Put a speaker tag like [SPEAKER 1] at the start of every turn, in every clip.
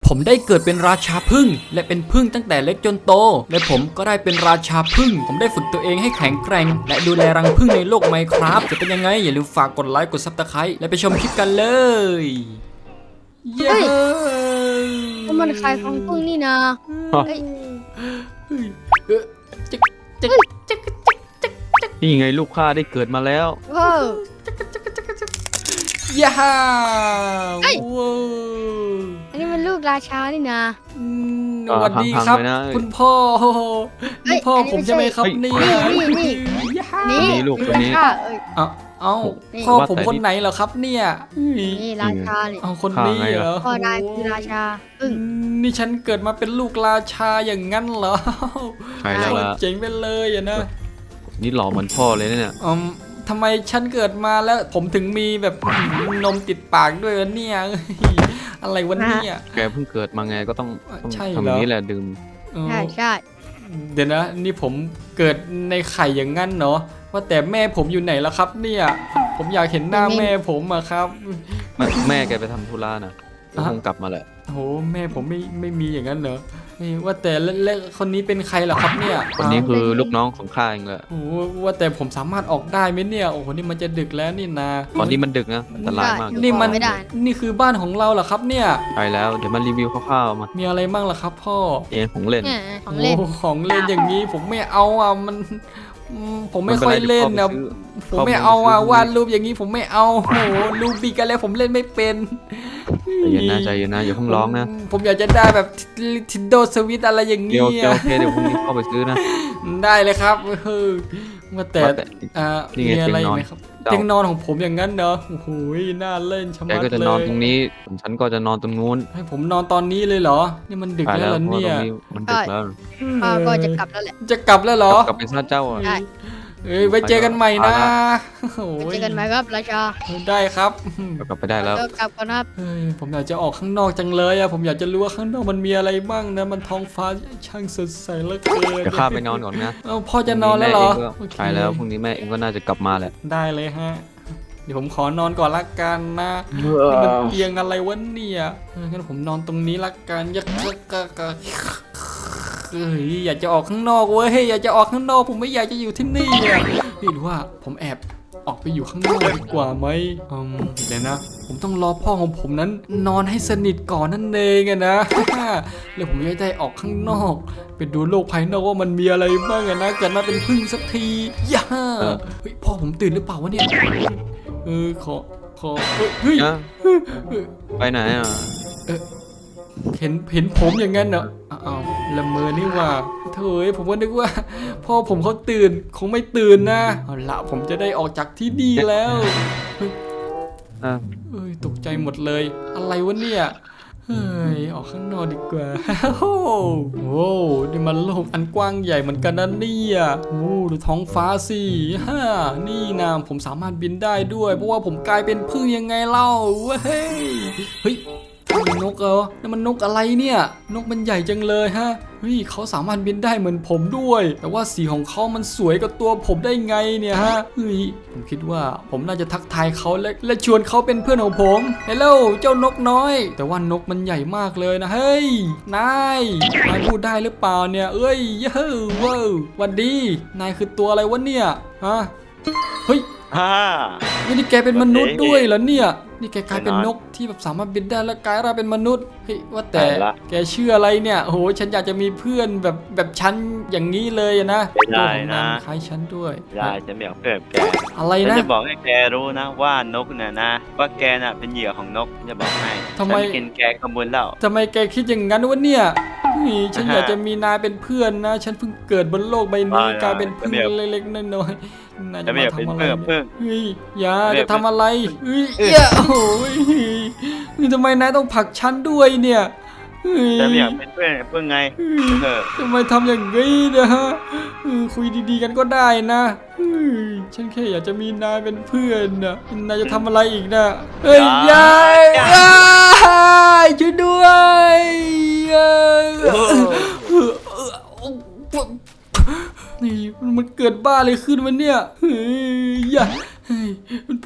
[SPEAKER 1] ผมได้เกิดเป็นราชาผึ้งและเป็นผึ้งตั้งแต่เล็กจนโตและผมก็ได้เป็นราชาผึ้งผมได้ฝึกตัวเองให้แข็งแกร่งและดูแลรังผึ้งในโลก Minecraft จะเป็นยังไงอย่าลืมฝากกดไลค์กด Subscribe และไปชมคลิปกันเลยเย้
[SPEAKER 2] ก็มันขายของพึ่งนี่นะเฮ้ย
[SPEAKER 1] จึ๊กจึ๊กจึ๊กจึ๊ก
[SPEAKER 3] นี่ไงลูกข้าได้เกิดมาแล้ว
[SPEAKER 2] ว้าว
[SPEAKER 1] ย่า
[SPEAKER 2] เฮ้ย
[SPEAKER 1] ว้าว
[SPEAKER 2] อันนี้มันลูกราชานี่นะ
[SPEAKER 1] สวัสดีครับ
[SPEAKER 3] พังๆเลยนะ
[SPEAKER 1] คุณพ่อ
[SPEAKER 2] เฮ้
[SPEAKER 1] นี่
[SPEAKER 2] ย
[SPEAKER 1] พ่อ
[SPEAKER 2] อันนี้
[SPEAKER 1] ผมใช่ไหมครับ
[SPEAKER 3] ไม่
[SPEAKER 1] เนี่
[SPEAKER 3] ใช่
[SPEAKER 1] ย
[SPEAKER 2] นี่
[SPEAKER 1] ย่า
[SPEAKER 2] นี่
[SPEAKER 3] นี่ลูกคนนี้
[SPEAKER 2] ราชาเอ้ย
[SPEAKER 1] เอ้า
[SPEAKER 2] นี่
[SPEAKER 1] พ่อผมคนไหนเหรอครับเนี่ย
[SPEAKER 2] นี่ราชาเนี่ย
[SPEAKER 1] เอาคนนี้เหรอ
[SPEAKER 2] พ่อนายคือราชาพึ่ง
[SPEAKER 1] นี่ฉันเกิดมาเป็นลูกราชาอย่างงั้นเหรอ
[SPEAKER 3] ใช่แล้วล่ะ
[SPEAKER 1] เจ๋งไปเลยอะนะ
[SPEAKER 3] นี่หล่อเหมือนพ่อเลยนะเนี่ย
[SPEAKER 1] ทำไมฉันเกิดมาแล้วผมถึงมีแบบนมติดปากด้วยวะเนี่ย เฮ้ยอะไรวะเนี่ย
[SPEAKER 3] แกเพิ่งเกิดมาไงก็ต้อง
[SPEAKER 1] ใช่
[SPEAKER 3] ทำ
[SPEAKER 1] เหรอ
[SPEAKER 3] อย่างนี้แหละดื่ม
[SPEAKER 2] ใช่ใช่
[SPEAKER 1] เดี๋ยวนะ นี่ผมเกิดในไข่อย่างงั้นเนาะว่าแต่แม่ผมอยู่ไหนแล้วครับเนี่ย ผมอยากเห็นหน้าแม่ผมอะครับ
[SPEAKER 3] แม่แกไปทำธุระนะก็คงกลับมาแหละ
[SPEAKER 1] โหแม่ผมไม่มีอย่างนั้นเหรอนี่ว่าแต่แล้วคนนี้เป็นใครเหรอครับเนี่ย
[SPEAKER 3] คนนี้คือลูกน้องของข้าเองแหละ
[SPEAKER 1] โอ้โหว่าแต่ผมสามารถออกได้ไหมเนี่ยโอ้โหนี่มันจะดึกแล้วนี่นะ
[SPEAKER 3] ตอนนี้มันดึกนะอันตรายมาก
[SPEAKER 1] นี่มัน
[SPEAKER 2] ไม่ได้
[SPEAKER 1] นี่คือบ้านของเราเหรอครับเนี่ย
[SPEAKER 3] ไปแล้วเดี๋ยวมารีวิวคร่าวๆมา
[SPEAKER 1] มีอะไรบ้างล่ะครับพ่อ
[SPEAKER 3] เองของเล่น
[SPEAKER 2] เนี่ยของเล่น
[SPEAKER 1] โของเล่นอย่างนี้ผมไม่เอาอ่ะมันผมไม่ค่อยเล่นนะผมไม่เอาอ่ะวาดรูปอย่างนี้ผมไม่เอาโอ้โหรูปบีกันแล้วผมเล่นไม่เป็น
[SPEAKER 3] ใจเย็นนะใจเย็นนะอย่าเพิ่งร้องนะ
[SPEAKER 1] ผมอยากจะได้แบบ Nintendo Switch อะไรอย่าง
[SPEAKER 3] เดี๋
[SPEAKER 1] นี้
[SPEAKER 3] ยวโอเคเดี๋ยวพรุ่งนี้เข้าไปซื้อนะ
[SPEAKER 1] ได้เลยครับว่าแต่
[SPEAKER 3] ว่าแต่ นี่
[SPEAKER 1] มี
[SPEAKER 3] ไง
[SPEAKER 1] อะไร
[SPEAKER 3] เตียงนอน
[SPEAKER 1] ไหมครับ
[SPEAKER 3] เจ้า
[SPEAKER 1] เตียงนอนของผมอย่างนั้นเนอะโอ้โหน่าเล่นชะ
[SPEAKER 3] แก
[SPEAKER 1] มัด
[SPEAKER 3] ก็จะ
[SPEAKER 1] เล
[SPEAKER 3] นอน
[SPEAKER 1] ย
[SPEAKER 3] ตรงนี้ส่วนฉันก็จะนอนตรงนู้น
[SPEAKER 1] ให้ผมนอนตอนนี้เลยเหรอ นี่มันดึก
[SPEAKER 3] ไป
[SPEAKER 1] แล้ว
[SPEAKER 3] แล้ว
[SPEAKER 1] เหรอ
[SPEAKER 3] เพราะว่า
[SPEAKER 1] เนี่
[SPEAKER 3] ตร
[SPEAKER 1] ย
[SPEAKER 3] งนี้มันดึกแล้ว
[SPEAKER 2] พ่อก็จะกลับแล้วแหละ
[SPEAKER 1] จะกลับแล้วเหรอ
[SPEAKER 3] กลับไปซะเจ้าอ่ะ
[SPEAKER 2] ได้
[SPEAKER 1] เอ้ยไว้เจอกันใหม่นะโอ้
[SPEAKER 2] ไป
[SPEAKER 1] ย
[SPEAKER 2] เจอกันไหมครับราชา
[SPEAKER 1] ได้ครับ
[SPEAKER 3] กลับไปได้แล้ว
[SPEAKER 2] ก็กลับก่อนครับ
[SPEAKER 1] เฮ้ยผมอยากจะออกข้างนอกจังเลยอะผมอยากจะรู้ว่าข้างนอกมันมีอะไรบ้างนะมันท้องฟ้าช่างสดใสเหลือเกิน
[SPEAKER 3] เดี๋ยวข้าไปนอนก่อนนะ
[SPEAKER 1] เอ้าพ่อจะนอนแล้วเหรอ
[SPEAKER 3] พรุ่งนี้แม่เองก็ใช่แล้วพรุ่งนี้แม่เองก็น่าจะกลับมาแหละ
[SPEAKER 1] ได้เลยฮะ เดี๋ยวผมขอนอนก่อนละกันนะนี่มันเตียงอะไรวะเนี่ยงั้นผมนอนตรงนี้ละกันยักเฮ้ยอยากจะออกข้างนอกเว้ยอยากจะออกข้างนอกผมไม่อยากจะอยู่ที่นี่อะหรือว่าผมแอบออกไปอยู่ข้างนอกดีกว่าไหมเดี๋ยวนะ ผมต้องรอพ่อของผมนั้น นอนให้สนิทก่อนนั่นเองอะนะ แล้วผมจะได้ออกข้างนอกไปดูโลกภายนอกว่ามันมีอะไรบ้างอะนะเกิดมาเป็นพึ่งสักทีย่าเฮ้ยพ่อผมตื่นหรือเปล่าวะเนี่ยขอเฮ้ย
[SPEAKER 3] นะไปไหนอ่ะ
[SPEAKER 1] เห็นผมอย่างนั้นเหรออ้าวละเมอนี่ว่าเถยผมก็นึกว่า พ่อผมเขาตื่นคงไม่ตื่นนะเอาละผมจะได้ออกจากที่นี่แล้วเฮ้ย
[SPEAKER 3] อ่ะ
[SPEAKER 1] เอ้ยตกใจหมดเลย อะไรวะเนี่ยเฮ้ยออกข้างนอกดีกว่า โอ้โหนี่มันโลกอันกว้างใหญ่เหมือนกันนะเนี่ยโอ้ดูท้องฟ้าสินี่นะผมสามารถบินได้ด้วย เพราะว่าผมกลายเป็นพึ่งยังไงเล่าเว้ยเฮ้ยมันนกเหรอนั่นมันนกอะไรเนี่ย นกมันใหญ่จังเลยฮะเฮ้ยเขาสามารถบินได้เหมือนผมด้วย แต่ว่าสีของเขามันสวยกว่าตัวผมได้ไงเนี่ยฮะเฮ้ยผมคิดว่าผมน่าจะทักทายเขาและชวนเขาเป็นเพื่อนของผมเฮลโหลเจ้านกน้อย แต่ว่านกมันใหญ่มากเลยนะเฮ้ยนายพูดได้หรือเปล่าเนี่ยเอ้ยเย้ว้าวหวัดดีนายคือตัวอะไรวะเนี่ยฮะเฮ้ย นี่แกเป็นมนุษย์ด้วยเหรอเนี่ย นี่แกกลายเป็นนกที่แบบสามารถบินได้แล้วกลายร่างเป็นมนุษย์ เฮ้ยว่าแต่แกชื่ออะไรเนี่ยโอ้โหฉันอยากจะมีเพื่อนแบบฉันอย่างนี้เลยนะ
[SPEAKER 4] ไม่ได้นะ
[SPEAKER 1] คล้ายฉันด้วย
[SPEAKER 4] ยายฉันไม่อยากเพื่อนแก
[SPEAKER 1] อะไร
[SPEAKER 4] ฉัน
[SPEAKER 1] นะ
[SPEAKER 4] จะบอกให้แกรู้นะว่านกเนี่ยนะ ว่าแกน่ะเป็นเหยื่อของนกจะบอกให้
[SPEAKER 1] ทำไม
[SPEAKER 4] ฉันกินแกขโมยแล้ว
[SPEAKER 1] ทำไมแกคิดอย่างนั้นวะเนี่ยนี่ฉันอยากจะมีนายเป็นเพื่อนนะ ฉันเพิ่งเกิดบนโลกใบนี้กลายเป็นเพึ่งเล็กๆน้อยๆนาย
[SPEAKER 4] ฉั
[SPEAKER 1] จะ
[SPEAKER 4] นไม่
[SPEAKER 1] มา
[SPEAKER 4] อยากเป็น
[SPEAKER 1] ทำอะไร
[SPEAKER 4] เพื่อน
[SPEAKER 1] เนี่ย
[SPEAKER 4] เพื่อน
[SPEAKER 1] เฮ้ยอย่า
[SPEAKER 4] เรีย
[SPEAKER 1] จะ
[SPEAKER 4] ก
[SPEAKER 1] ทำอะไรเฮ้ยเอี้ยโอ้โหนี่ทำไมนายต้องผลักฉันด้วยเนี่ยเฮ้ย
[SPEAKER 4] ฉันไม่อยากเป็นเพื่อนไงเออ
[SPEAKER 1] ทำไมทำอย่างนี้เนี่ยฮะคุยดีๆกันก็ได้นะเฮ้ยฉันแค่อยากจะมีนายเป็นเพื่อนนะนายจะทำอะไรอีกนะเฮ้ยยายช่วยด้วยนี่มันเกิดบ้าอะไรขึ้นวะเนี่ยเฮ้ยมันผ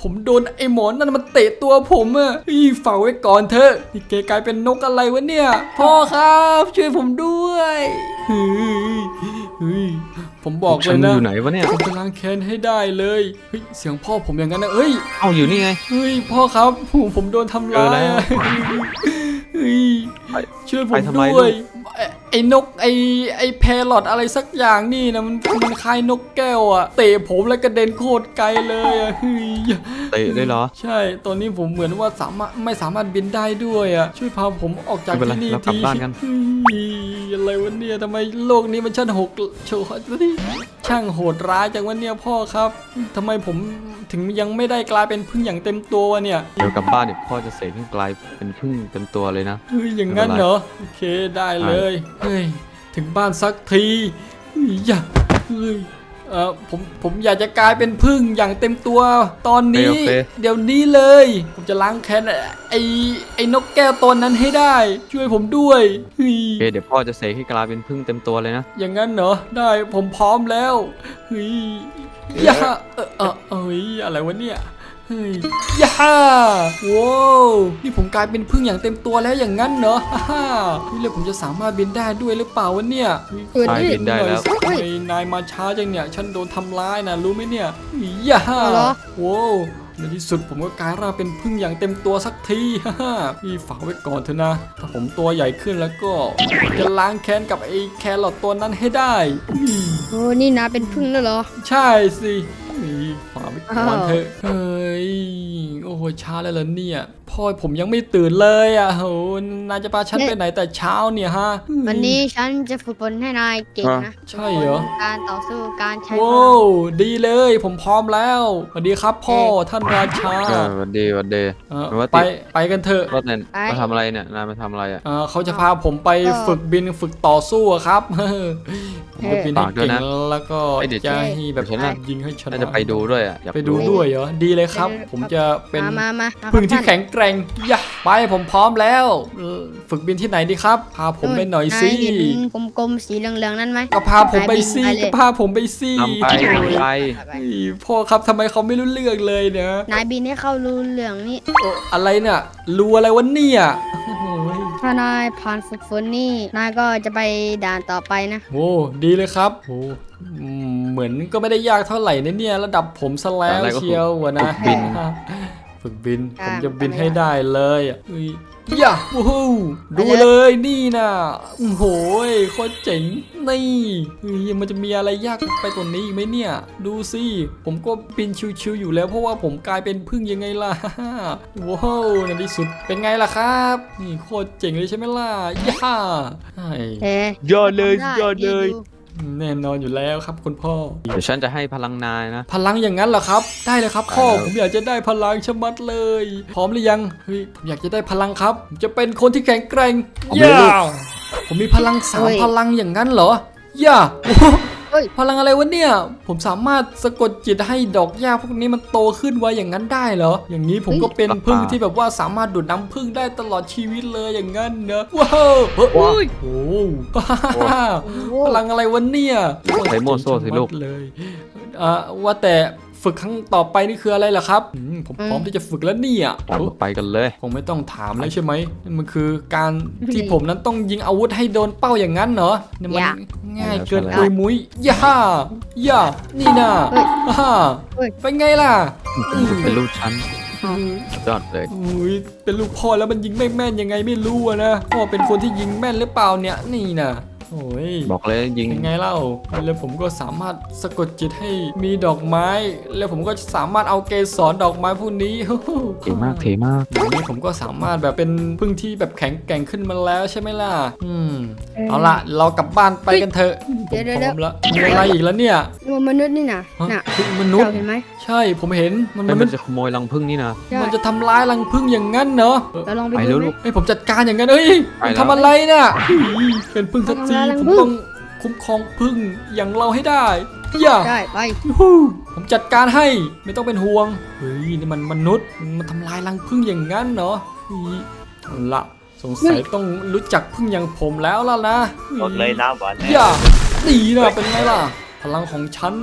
[SPEAKER 1] ผมโดนไอ้หมอนนั่นมันเตะตัวผมอะฝากไว้ก่อนเถอะนี่แกกลายเป็นนกอะไรวะเนี่ยพ่อครับช่วยผมด้วยเฮ้ยผมบอกเล
[SPEAKER 3] ฉั
[SPEAKER 1] ย
[SPEAKER 3] น
[SPEAKER 1] นะ
[SPEAKER 3] อยู่ไหนวะเนี่ย
[SPEAKER 1] ผมจะล้างแค้นให้ได้เลยเฮ้ยเสียงพ่อผมอย่างนั้นนะเอ้ย
[SPEAKER 3] เอาอยู่นี่ไง
[SPEAKER 1] เฮ้ยพ่อครับผมโดนทำร้ายอะเฮ้ย
[SPEAKER 3] ไป
[SPEAKER 1] ช่วยผม
[SPEAKER 3] ไปทำไม
[SPEAKER 1] ด้วย
[SPEAKER 3] ลูก
[SPEAKER 1] ไอ้นกไอ้แพรอทอะไรสักอย่างนี่นะมันคล้ายนกแก้วอะเตะผมแล้วกระเด็นโคตรไกลเลยอะเฮ้ย
[SPEAKER 3] เตะได้เหรอ
[SPEAKER 1] ใช่ตอนนี้ผมเหมือนว่าไม่สามารถบินได้ด้วยอะช่วยพาผมออกจาก
[SPEAKER 3] ไม่เป็นไร
[SPEAKER 1] ที่นี่
[SPEAKER 3] เรากลับ
[SPEAKER 1] ที
[SPEAKER 3] บ้านกัน
[SPEAKER 1] เฮ้ยอะไรวะเนี่ยทำไมโลกนี้มันช่างโหดร้ายจังวะเนี่ยพ่อครับทำไมผมถึงยังไม่ได้กลายเป็นพึ่งอย่างเต็มตัววะเนี่ย
[SPEAKER 3] เดี๋ยวกลับบ้านเนี่ยพ่อจะเสกให้กลายเป็นพึ่งเต็มตัวเลยนะ
[SPEAKER 1] เฮ้ยอย่างงั้นเหรอโอเคได้เลยเฮ้ยถึงบ้านสักทีเฮ้ยอย่าเฮ้ยผมอยากจะกลายเป็นพึ่งอย่างเต็มตัวตอนนี้
[SPEAKER 3] โอเค
[SPEAKER 1] เดี๋ยวนี้เลย ผมจะล้างแค้นไอ้นกแก้วตนนั้นให้ได้ ช่วยผมด้วยเฮ้ย
[SPEAKER 3] โอเคเดี๋ยวพ่อจะเสกให้กลายเป็นพึ่งเต็มตัวเลยนะ
[SPEAKER 1] อย่างนั้นเหรอได้ผมพร้อมแล้วเฮ้ยอย่าเอ้ยอะไรวะเนี่ยเฮ้ยย่าว้าวนี่ผมกลายเป็นพึ่งอย่างเต็มตัวแล้วอย่างนั้นเหรอฮ่านี่เลยผมจะสามารถบินได้ด้วยหรือเปล่าวะเนี่ย
[SPEAKER 2] เกิด
[SPEAKER 3] ไป
[SPEAKER 2] นี่
[SPEAKER 3] บินได้แล้ว
[SPEAKER 1] ทำไมนายมาช้าจังเนี่ยฉันโดนทำร้ายนะรู้ไหมเนี่ยย่า
[SPEAKER 2] เหรอ
[SPEAKER 1] ว้าวในที่สุดผมก็กลายร่างเป็นพึ่งอย่างเต็มตัวสักทีฮ่าพี่ฝากไว้ก่อนเถอะนะถ้าผมตัวใหญ่ขึ้นแล้วก็จะล้างแค้นกับไอ้แครอทตัวนั้นให้ได้อืม
[SPEAKER 2] โอ้นี่นาเป็นพึ่งแล้วเหรอ
[SPEAKER 1] ใช่สิฝากไว้ก่อนเถอะเฮ้ย โอ้โหช้าแล้วเหรอเนี่ย พ่อผมยังไม่ตื่นเลยอ่ะโหนายจะพาฉันไปไหนแต่เช้าเนี่ยฮะ
[SPEAKER 2] วันนี้ฉันจะฝึกฝนให้นายเก่งนะ
[SPEAKER 1] ใช่เหรอ
[SPEAKER 2] ฝึกฝนการต่อสู้การใช้พ
[SPEAKER 1] โว้
[SPEAKER 2] ลัง
[SPEAKER 1] วดีเลยผมพร้อมแล้วสวัสดีครับพ่อท่านราชา
[SPEAKER 3] วันดีวันดี
[SPEAKER 1] เออ
[SPEAKER 3] ว่า
[SPEAKER 1] ไป
[SPEAKER 3] ติด
[SPEAKER 1] ไปกันเถอะ
[SPEAKER 3] รถเนี่ยมาทำอะไรเนี่ยนายมาทำอะไรอ่ะ
[SPEAKER 1] เขาจะพาผมไปฝึกบินฝึกต่อสู้อะครับผมจะบินให้
[SPEAKER 3] ฝากด้วย
[SPEAKER 1] เก่ง
[SPEAKER 3] นะ
[SPEAKER 1] แล้วก็
[SPEAKER 3] เอ้ยเดี๋ยว
[SPEAKER 1] จะให้แบบ
[SPEAKER 3] เดี๋ยวฉันน่ะ
[SPEAKER 1] ยิงให้ชนะ
[SPEAKER 3] น่าจะไปดูด้วยอ่ะอยาก
[SPEAKER 1] ไปดูด้วยเหรอดีเลยครับ ผมจะเป็น
[SPEAKER 2] มา
[SPEAKER 1] พึ่งที่แข็งแกร่งอย่าไปผมพร้อมแล้วฝึกบินที่ไหนดีครับ พาผมไปหน่อยสิ
[SPEAKER 2] นายเห็นกลมๆสีเหลืองๆนั่นไหม
[SPEAKER 1] ก็พาผมไปสิ
[SPEAKER 2] นายบินไปเลย
[SPEAKER 1] ก็พาผมไปสิ
[SPEAKER 3] นำไปนำไป
[SPEAKER 1] เฮ้ยพ่อครับทำไมเขาไม่รู้เรื่องเลยเนี่ย
[SPEAKER 2] นายบินให้เข้ารูเหลืองนี่
[SPEAKER 1] โอ้อะไรเนี่ยรูอะไรวะเนี่ยโอ้โห
[SPEAKER 2] ถ้านายผ่านฝึกฝนนี่นายก็จะไปด่านต่อไปนะ
[SPEAKER 1] โอ้ดีเลยครับโอ้เหมือนก็ไม่ได้ยากเท่าไหร่นะเนี่ยระดับผมซะแล้ว
[SPEAKER 3] อะไรก็
[SPEAKER 1] เชียววะนะ
[SPEAKER 3] ฝึกบิน
[SPEAKER 1] ฝึกบิน
[SPEAKER 2] อ่า
[SPEAKER 1] ผมจะบินให้ได้เลยอ่ะเฮ้ยย่าโอ้โหดูเลยนี่นะโอ้โหโคตรเจ๋งนี่เฮ้ยมันจะมีอะไรยากไปกว่านี้อีกไหมเนี่ย ดูสิผมก็บินชิวๆอยู่แล้วเพราะว่าผมกลายเป็นพึ่งยังไงล่ะ ว้าวในที่สุดเป็นไงล่ะครับนี่โคตรเจ๋งเลยใช่ไหมล่ะย่าใช่
[SPEAKER 2] เอ๊ะ
[SPEAKER 3] ยอดเลย
[SPEAKER 2] ทำได้
[SPEAKER 3] ยอดเลย
[SPEAKER 2] ดู
[SPEAKER 1] แน่นอนอยู่แล้วครับคุณพ่อ
[SPEAKER 3] เดี๋ยวฉันจะให้พลังนายนะ
[SPEAKER 1] พลังอย่างนั้นเหรอครับ ได้เลยครับพ่อ
[SPEAKER 3] ได้แล้ว
[SPEAKER 1] ผมอยากจะได้พลังชะมัดเลย พร้อมหรือยังเฮ้ยผมอยากจะได้พลังครับผมจะเป็นคนที่แข็งแกร่งย่าผมมีพลังสามพลังอย่างนั้นเหรอย่าโอ้โหพลังอะไรวะเนี่ย ผมสามารถสะกดจิตให้ดอกหญ้าพวกนี้มันโตขึ้นไวอย่างนั้นได้เหรอ อย่างนี้ผมก็เป็นพึ่งที่แบบว่าสามารถดูดน้ำพึ่งได้ตลอดชีวิตเลยอย่างนั้นเนอะว้าวโอ้โหโอ้โห
[SPEAKER 2] โอ้
[SPEAKER 1] พลังอะไรวะเนี่ย
[SPEAKER 3] ใช้โม่โซ่สิลูก
[SPEAKER 1] เลยว่าแต่ฝึกครั้งต่อไปนี่คืออะไรล่ะครับผมพร้อมที่จะฝึกแล้วเนี่ย
[SPEAKER 3] ไปกันเลย
[SPEAKER 1] คงไม่ต้องถามแล้วใช่ไหมนั่นมันคือการที่ผมนั้นต้องยิงอาวุธให้โดนเป้าอย่างนั้นเหรอเนี่ยมันง่ายเกินปุยมุ้ยย่านี่นะฮ่าเป็นไงล่ะ
[SPEAKER 3] เป็นลูกฉันยอดเลย
[SPEAKER 1] อุ้ยเป็นลูกพ่อแล้วมันยิงไม่แม่นยังไงไม่รู้อะนะพ่อเป็นคนที่ยิงแม่นหรือเปล่าเนี่ยนี่นะโอ้ย
[SPEAKER 3] บอกเลยยิง
[SPEAKER 1] เป็นไงเล่าแล้วผมก็สามารถสะกดจิตให้มีดอกไม้ แล้วผมก็สามารถเอาเกสรดอกไม้พวกนี้
[SPEAKER 3] เท่มากเท่มาก
[SPEAKER 1] อย่างนี้ผมก็สามารถแบบเป็นพึ่งที่แบบแข็งแกร่งขึ้นมาแล้วใช่ไหมล่ะเอาล่ะเรากลับบ้านไปกันเถอะผมพร้อมแล้วมีอะไรอีกแล้วเนี่ย
[SPEAKER 2] นี่มันมนุษย์นี่นะ
[SPEAKER 1] ฮะ
[SPEAKER 2] น่ะ
[SPEAKER 1] พึ่งมนุษย์
[SPEAKER 2] เจ้าเห็นไหม
[SPEAKER 1] ใช่ผมเห็นมัน
[SPEAKER 3] มัน
[SPEAKER 1] มัน
[SPEAKER 3] จะขโมยรังผึ้งนี่นะ
[SPEAKER 2] ใช่
[SPEAKER 1] มันจะทำร้ายรังพึ่งอย่างนั้นเนาะ
[SPEAKER 2] เราลองไป
[SPEAKER 3] ไป
[SPEAKER 2] ดู
[SPEAKER 3] แล้ว
[SPEAKER 2] ไหม
[SPEAKER 3] ลูก
[SPEAKER 1] เฮ้ยผมจัดการอย่างนั้นเอ้ย
[SPEAKER 3] ไปแล้ว
[SPEAKER 1] ทำอะไรเนี่ยเป็นพึ่งสักที
[SPEAKER 2] ทำร้ายรัง
[SPEAKER 1] ผม
[SPEAKER 2] ผึ้ง
[SPEAKER 1] ต้องคุ้มครองพึ่งอย่างเราให้ได้อย่า
[SPEAKER 2] ได้ไป
[SPEAKER 1] ยูฮูผมจัดการให้ไม่ต้องเป็นห่วงเฮ้ยนี่มันมนุษย์มันทำลายรังผึ้งอย่างนั้นเนาะเฮ้ยเอาละสงสัยต้องรู้จักผึ้งอย่างผมแล้วล่ะนะ
[SPEAKER 4] หมดเลยนะหวาน
[SPEAKER 1] อย่าดีนะเป็นไงล่ะ พลังของฉัน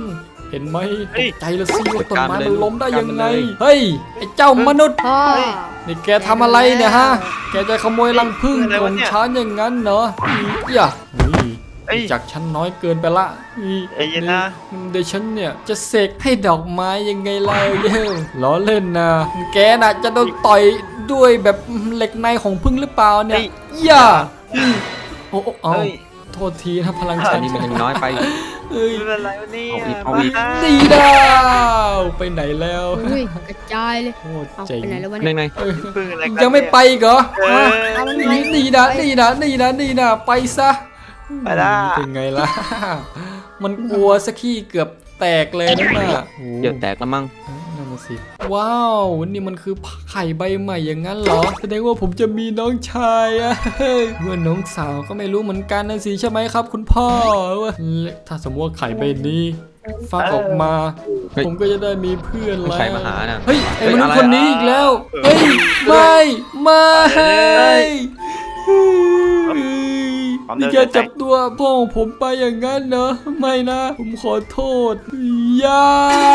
[SPEAKER 1] เห็นไหมต
[SPEAKER 4] เฮ้ย
[SPEAKER 1] กใจละสิว่าต้นไม้
[SPEAKER 3] จัดการ
[SPEAKER 1] มัน
[SPEAKER 3] เลย
[SPEAKER 1] ล้มได้ยังไง
[SPEAKER 3] จัดการเลย
[SPEAKER 1] เฮ้ยไอ้เจ้ามนุษย์
[SPEAKER 2] พ่อ
[SPEAKER 1] นี่แกทำอะไรเนี่ยฮะแกจะขโมยรังผึ้งของฉันอย่างนั้นเหรออย่านี่
[SPEAKER 4] เอ้ย
[SPEAKER 1] จากฉันน้อยเกินไปละนี่
[SPEAKER 4] ไอ้เย็นนะ
[SPEAKER 1] เดี๋ยวฉันเนี่ยจะเสกให้ดอกไม้ยังไงล่ะเย้ล้อเล่นนะแกน่ะจะโดนต่อยด้วยแบบเหล็กในของผึ้งหรือเปล่าเนี่ยอย่าโอ้เอา
[SPEAKER 4] เฮ้ย
[SPEAKER 1] โทษทีนะพลัง
[SPEAKER 3] อั
[SPEAKER 1] ฉั
[SPEAKER 3] น
[SPEAKER 1] น
[SPEAKER 3] นี้มันยังน้อยไป
[SPEAKER 1] เอ้ย
[SPEAKER 4] ไม่เป็นไรวะเนี่ย
[SPEAKER 3] เอาอีก
[SPEAKER 1] ดีดาวไปไหนแล้ว
[SPEAKER 2] อุ้ยกระจายเลย
[SPEAKER 1] โคตร
[SPEAKER 2] เอา
[SPEAKER 1] เจ๋ง
[SPEAKER 2] ไปไหนแล้ววะ
[SPEAKER 3] ใน
[SPEAKER 2] เนี่ย
[SPEAKER 3] ใน
[SPEAKER 1] เอ้ย
[SPEAKER 4] พึ่งอะไรกัน
[SPEAKER 1] ยังไม่ไปอีกเหรอ
[SPEAKER 4] เออ
[SPEAKER 2] เอามัน
[SPEAKER 1] นี่
[SPEAKER 2] ไป
[SPEAKER 1] นี่นะไปซะ
[SPEAKER 4] ไปละ
[SPEAKER 1] เป็นไงล่ะ มันกลัวสักขี้เกือบแตกเลยนะน่ะโอ้
[SPEAKER 3] เดี๋ยวแตกแล้วมั้ง
[SPEAKER 1] นั่นน่ะสิว้าวนี่มันคือไข่ใบใหม่อย่างนั้นเหรอแสดงว่าผมจะมีน้องชายอะเมื่อน้องสาวก็ไม่รู้เหมือนกันนะสิใช่ไหมครับ คุณพ่อถ้าสมมติว่าไข่ใบนี้ฟักออกมา
[SPEAKER 3] เฮ้ย
[SPEAKER 1] ผมก็จะได้มีเพื่อนแล้ว
[SPEAKER 3] ใครมาหาน่ะ
[SPEAKER 1] เฮ้ยไอ้มนุษย์
[SPEAKER 3] เฮ้ยอะไร
[SPEAKER 1] คนนี้อีกแล้วเฮ้ยไม่นี่แกจับตัวพ่อของผมไปอย่างนั้นเหรอไม่นะ ผมขอโทษยาย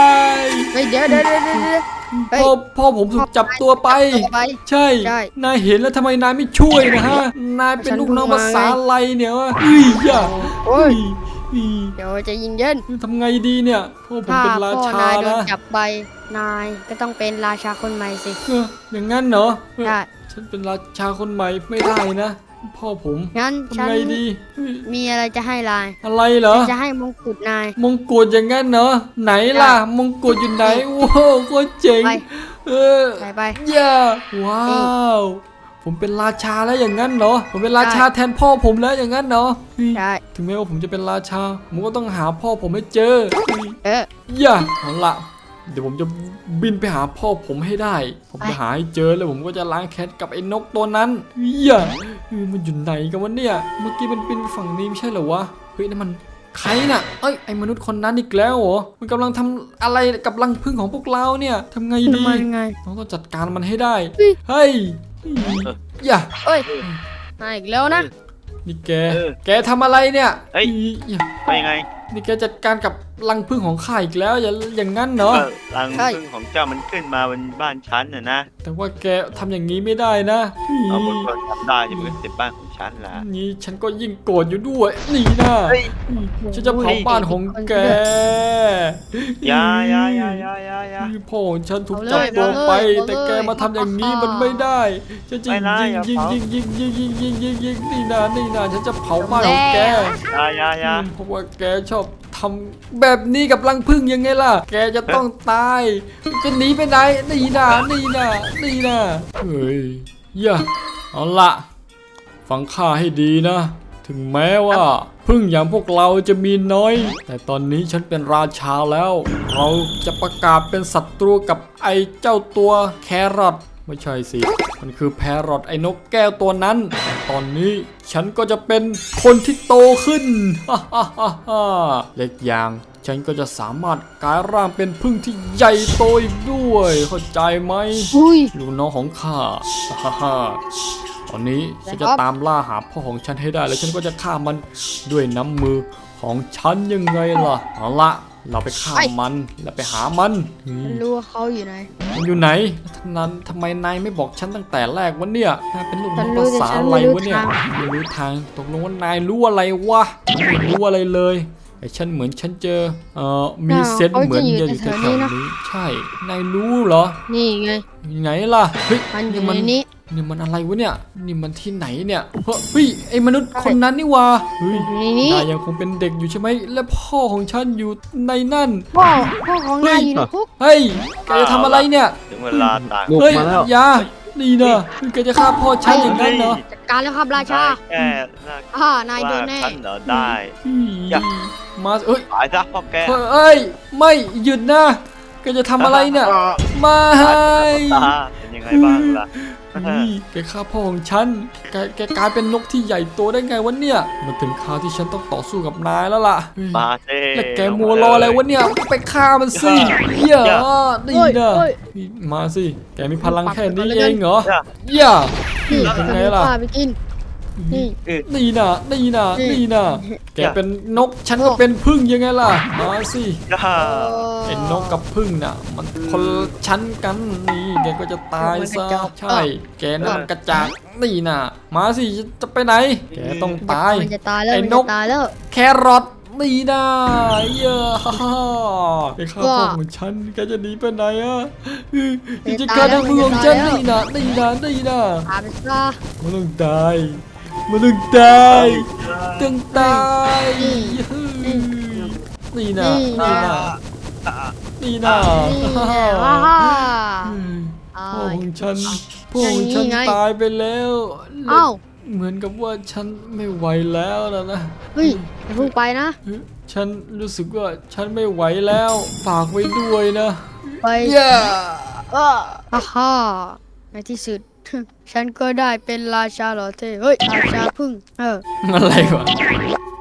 [SPEAKER 2] เฮ้ยเดี๋ยวเฮ้ย
[SPEAKER 1] พ่อผมถูกจับตัวไป
[SPEAKER 2] ต่อไป
[SPEAKER 1] ใช่
[SPEAKER 2] ใช่
[SPEAKER 1] นายเห็นแล้วทำไมนายไม่ช่วยนะฮะ นายเป็นลูกน้องภาษาอะไรเนี่ยวะอย่า
[SPEAKER 2] โอ้ย
[SPEAKER 1] เฮ้ย
[SPEAKER 2] เดี๋ยวใจะเย็น
[SPEAKER 1] ทำไงดีเนี่ยพ่อผม
[SPEAKER 2] ถ้า
[SPEAKER 1] เป็นรา
[SPEAKER 2] พ่อ
[SPEAKER 1] ชาน
[SPEAKER 2] ายโดน
[SPEAKER 1] นะ
[SPEAKER 2] จับไปนายก็ต้องเป็นราชาคนใหม่สิ
[SPEAKER 1] อย่างนั้นเหรอ
[SPEAKER 2] ได้
[SPEAKER 1] ฉันเป็นราชาคนใหม่ไม่ได้นะ พ่อผม
[SPEAKER 2] งั้นฉั
[SPEAKER 1] ทำ
[SPEAKER 2] น
[SPEAKER 1] ไงดีเฮ้ย
[SPEAKER 2] มีอะไรจะให้ลาย
[SPEAKER 1] อะไรเหรอ
[SPEAKER 2] ฉันจะให้มงกุฎนาย
[SPEAKER 1] มงกุฎอย่างนั้นเหรอไหนล่ะ มงกุฎอยู่ไหนว้าวโคตรเจ๋ง
[SPEAKER 2] ไป
[SPEAKER 1] เออ
[SPEAKER 2] ใส่ไป
[SPEAKER 1] ย่าว้าว ผมเป็นราชาแล้วอย่างนั้นเหรอผมเป็นราชาแทนพ่อผมแล้วอย่างนั้นเหรอเฮ้ย
[SPEAKER 2] ได้
[SPEAKER 1] ถึงแม้ว่าผมจะเป็นราชา ผมก็ต้องหาพ่อผมให้เจอ
[SPEAKER 2] เออ
[SPEAKER 1] อย่าเอาละเดี๋ยวผมจะบินไปหาพ่อผมให้ได้ ผมจะหาให้เจอแล้วผมก็จะล้างแค้นกับไอ้นกตัวนั้นอย่ามันอยู่ไหนกันวะเนี่ย เมื่อกี้มันบินไปฝั่งนี้ไม่ใช่เหรอวะ เฮ้ยนั่นมันใครน่ะ เอ้ยไอ้มนุษย์คนนั้นอีกแล้วเหรอ มันกำลังทำอะไรกับรังผึ้งของพวกเราเนี่ยทำไงดี
[SPEAKER 2] มันไง
[SPEAKER 1] เราต้องจัดการมันให้ได้
[SPEAKER 2] เฮ้ย
[SPEAKER 1] เฮ้ยอย่า
[SPEAKER 2] เอ้ยมาอีกแล้วนะ
[SPEAKER 1] นี่แกทำอะไรเนี่ย
[SPEAKER 4] เฮ้ย
[SPEAKER 1] อย่า
[SPEAKER 4] ไปยังไง
[SPEAKER 1] นี่แกจัดการกับรังผึ้งของข้าอีกแล้วอย่างนั้นเหรอ
[SPEAKER 4] รังพึ่งของเจ้ามันขึ้นมาบนบ้านฉันน่ะนะ
[SPEAKER 1] แต่ว่าแกทำอย่างนี้ไม่ได้นะ
[SPEAKER 4] เอาบนคนทำได้จะเป็นเต็มบ้านของฉันล่ะ
[SPEAKER 1] นี่ฉันก็ยิ่งโกรธอยู่ด้วยนี่นะ
[SPEAKER 4] เฮ้ย
[SPEAKER 1] ฉันจะเผาบ้านของแก
[SPEAKER 4] อยา
[SPEAKER 1] พ่อของฉันถูกจับตัวไป แต่แกมาทำอย่างนี้มันไม่ได้ฉันจะยิงนี่นะฉันจะเผาบ้านของแก
[SPEAKER 4] อยา
[SPEAKER 1] เพราะว่าแกชอบทำแบบนี้กับรังผึ้งยังไงล่ะ แกจะต้องตายจะหนีไปไหนนี่นะเฮ้ยอย่าเอาละฟังข้าให้ดีนะ ถึงแม้ว่าผึ้งอย่างพวกเราจะมีน้อย แต่ตอนนี้ฉันเป็นราชาแล้ว เราจะประกาศเป็นศัตรูกับไอ้เจ้าตัวแครอทไม่ใช่สิ มันคือแพรอทไอ้นกแก้วตัวนั้นแต่ตอนนี้ฉันก็จะเป็นคนที่โตขึ้น เล็กอย่างฉันก็จะสามารถกลายร่างเป็นผึ้งที่ใหญ่โตอีกด้วยเข้าใจไหม
[SPEAKER 2] อุ้ย
[SPEAKER 1] ลูกน้องของข้า ตอนนี้ฉันจะตามล่าหาพ่อของฉันให้ได้แล้วฉันก็จะฆ่ามันด้วยน้ำมือของฉันยังไงล่ะ เอาละเราไปฆ่ามันแล้วไปหามัน
[SPEAKER 2] ฉันรู้ว่าเขาอยู่ไหน
[SPEAKER 1] มันอยู่ไหนนั้นทำไมนายไม่บอกฉันตั้งแต่แรกวะเนี่ยนายเป็นลูกน้อง
[SPEAKER 2] ฉันรู้
[SPEAKER 1] ภาษา
[SPEAKER 2] แต่ฉัน
[SPEAKER 1] อะไร
[SPEAKER 2] ไม่รู้
[SPEAKER 1] วะเนี่ย
[SPEAKER 2] ทาง
[SPEAKER 1] ไม่รู้ทางตกลงว่านายรู้อะไรวะไม่รู้อะไรเลยไอ้ฉันเหมือนฉันเจอมีเซนส์เหมือนจะอยู่แถวๆนี้ใช่นายรู้เหรอ
[SPEAKER 2] นี่ไง
[SPEAKER 1] อยู่ไหนล่ะเฮ้ย
[SPEAKER 2] มันอยู่
[SPEAKER 1] มั
[SPEAKER 2] ในนี้
[SPEAKER 1] นี่มันอะไรวะเนี่ยนี่มันที่ไหนเนี่ยเฮ้ยไอ้มนุษย์คนนั้นนี่วะเฮ้ย
[SPEAKER 2] อยู่ในนี้
[SPEAKER 1] นายยังคงเป็นเด็กอยู่ใช่ไหมและพ่อของฉันอยู่ในนั่น
[SPEAKER 2] พ่อของนายอยู่ในคุก
[SPEAKER 1] เฮ้ยแกจะทำอะไรเนี่ย
[SPEAKER 4] ถึงเวลาต่าง
[SPEAKER 3] บุก
[SPEAKER 1] เฮ้ย
[SPEAKER 3] มาแล้ว
[SPEAKER 1] อย่านี่นะแกจะฆ่าพ่อฉันอย่างนั้นเหรอ
[SPEAKER 2] จัดการแล้วครับราชา
[SPEAKER 4] แค่
[SPEAKER 2] นายโดนแน่
[SPEAKER 4] ฉันเหรอได้
[SPEAKER 1] อย่ามาเอ้ย
[SPEAKER 4] ตายซะพ่อแก
[SPEAKER 1] เฮ้ยไม่หยุดนะแกจะทำอะไรเนี่ยไม่
[SPEAKER 4] ตาเป็นยังไงบ้างล่ะ
[SPEAKER 1] แกฆ่าพ่อของฉันแกกลายเป็นนกที่ใหญ่โตได้ไงวะเนี่ยมันถึงคราวที่ฉันต้องต่อสู้กับนายแล้วล่ะ
[SPEAKER 4] มาเซ่
[SPEAKER 1] แล้วแกมัวรออะไรวะเนี่ยไปฆ่ามันสิเหี้ยนี่นะมาสิแกมีพลังแค่นี้เองเหรออย่า
[SPEAKER 2] นี่
[SPEAKER 1] เป็นไง
[SPEAKER 2] เอา
[SPEAKER 1] ล่ะ
[SPEAKER 2] ข้าไปกินนี่
[SPEAKER 1] นี่นะนี่นะนี่นะแกเป็นนกฉันก็เป็นผึ้งยังไงล่ะมาสิ
[SPEAKER 4] ย่า
[SPEAKER 1] ไอ้นกกับผึ้งน่ะ มันคนละชั้นกันนี่แกก็จะตายซะใช่ แกนั่นกระจากนี่น่ะมาสิจะไปไหน แกต้องตาย
[SPEAKER 2] มันจะตายแล้ว
[SPEAKER 1] ไอ้
[SPEAKER 2] มัน
[SPEAKER 1] น
[SPEAKER 2] จะ
[SPEAKER 1] ก
[SPEAKER 2] ตายแล้ว
[SPEAKER 1] แครอทนี่น่ะเยอะฮ่าฮ่าไอ้ข้าพ่อของฉันแกจะหนีไปไหนอ่ะจะฆ่าทั้งเมืองฉันนี่น่ะนี่น่ะนี่น่ะ
[SPEAKER 2] ตายไปซะ
[SPEAKER 1] มันต้องตายมันต้องตายต้องตายนี่น่ะนี่น่ะนี่น่ะ
[SPEAKER 2] นี่แน่ฮ่าฮ่า
[SPEAKER 1] พ่อของฉันพ่อของฉันตายไปแล้ว
[SPEAKER 2] เอ้า
[SPEAKER 1] เหมือนกับว่าฉันไม่ไหวแล้วนะ
[SPEAKER 2] เฮ้ยอย่าเพิ่งไปนะ
[SPEAKER 1] ฉันรู้สึกว่าฉันไม่ไหวแล้วฝากไว้ด้วยนะ
[SPEAKER 2] ไป
[SPEAKER 1] เย้
[SPEAKER 2] ฮ่าฮ่าในที่สุด ฉันก็ได้เป็นราชาเหรอเท่เฮ้ยราชาพึ่ง
[SPEAKER 1] อะไรวะ